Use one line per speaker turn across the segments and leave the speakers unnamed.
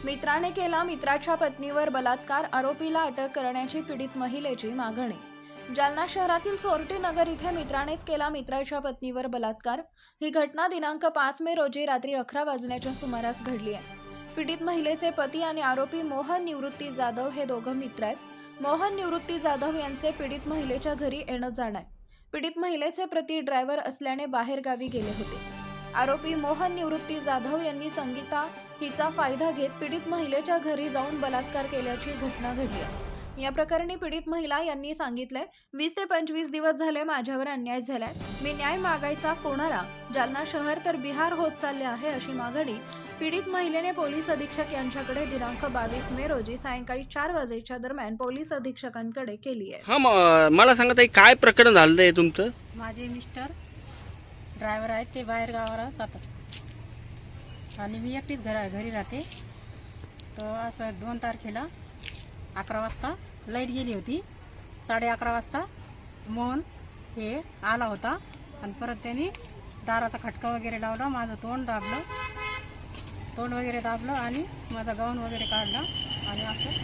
मित्राने केला मित्राच्या पत्नीवर बलात्कार, आरोपीला अटक करण्याची पीडित महिलेची मागणी। जालना शहरातील सोरटी नगर इथे मित्रानेच केला मित्राच्या पत्नीवर बलात्कार। ही घटना दिनांक 5 मे रोजी रात्री 11 वाजण्याच्या सुमारास घडली आहे। पीडित महिलेचे पती आणि आरोपी मोहन निवृत्ती जाधव हे दोघं मित्र आहेत। मोहन निवृत्ती जाधव यांचे पीडित महिलेच्या घरी येणं जाणं आहे। पीडित महिलेचे पती ड्रायव्हर असल्याने बाहेर गावी गेले होते। आरोपी मोहन निवृत्ती जाधव यांनी संगीता हिचा फायदा घेत पीडित महिलेच्या घरी जाऊन बलात्कार केल्याची घटना घडली आहे। या प्रकरणी पीडित महिला यांनी सांगितले, 20 ते 25 दिवस झाले माझ्यावर अन्याय झालाय। मी न्याय मागायचा कोणाला? जालना शहर तर बिहार होत चालले आहे, अशी मागणी पीडित महिलेने पोलीस अधीक्षक यांच्याकडे दिनांक 22 मे रोजी सायंकाळी 4 वाजेच्या दरम्यान पोलीस अधीक्षकांकडे केली आहे।
मला सांगा ताई, काय प्रकरण झालंय तुमचं?
माझे मिस्टर ड्रायव्हर आहेत, ते बाहेर गावाला जातात आणि मी एकटीच घरी राहते। तर असं 2 तारखेला 11 वाजता लाईट गेली होती। 11:30 वाजता मोहन हे आला होता आणि परत त्यांनी दाराचा खटका वगैरे लावला, माझं तोंड वगैरे दाबलं आणि माझा गाऊन वगैरे काढला आणि असं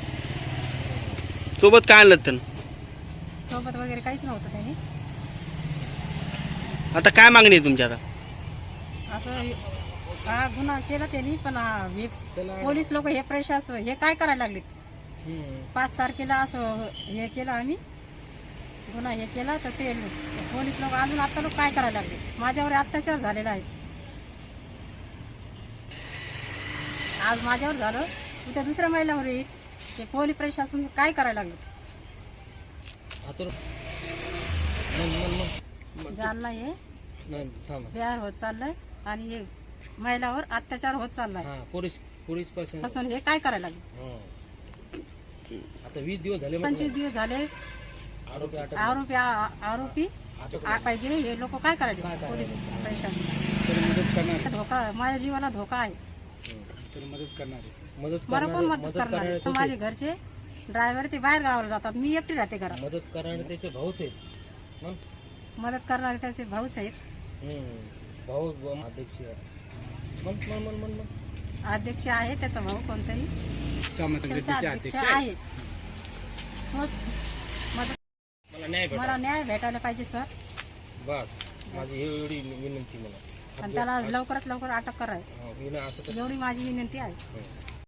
सोबत काय आणलं त्यांनी?
सोबत वगैरे काहीच नव्हतं त्यांनी।
आता काय मागणी आहे तुमची? आता
असं हा गुन्हा केला त्यांनी, पण पोलीस लोक हे प्रशासन हे काय करायला लागले? 5 तारखेला असं हे केलं आम्ही गुन्हा हे केला, तर ते पोलीस लोक अजून आता लोक काय करायला लागले? माझ्यावर अत्याचार झालेला आहे। आज माझ्यावर झालं, उद्या दुसऱ्या महिलावर येईल। ते पोलीस प्रशासन काय करायला लागले? जालना हे बिहार होत चाललंय आणि हे महिलावर अत्याचार होत चाललाय।
पोलीस
प्रशासन हे काय करायला लागले?
आता 20 दिवस झाले,
25 दिवस झाले आरोपी पाहिजे। हे लोक काय करायचे? पोलीस प्रशासन धोका, माझ्या जीवाला धोका आहे। मला कोण मदत करणार? तर माझे घरचे ड्रायव्हर ते बाहेर गावाला जातात, मी एकटी राहते घरात।
मदत करणारे त्याचे भाऊच आहेत,
मदत करणारे त्याचे भाऊच आहेत।
भाऊ अध्यक्ष
अध्यक्ष आहे त्याचा भाऊ, कोणतरी अध्यक्ष आहे। मला न्याय भेटायला पाहिजे सर,
बस माझी एवढी विनंती मला,
आणि त्याला लवकरात लवकर अटक करायची, एवढी माझी विनंती आहे।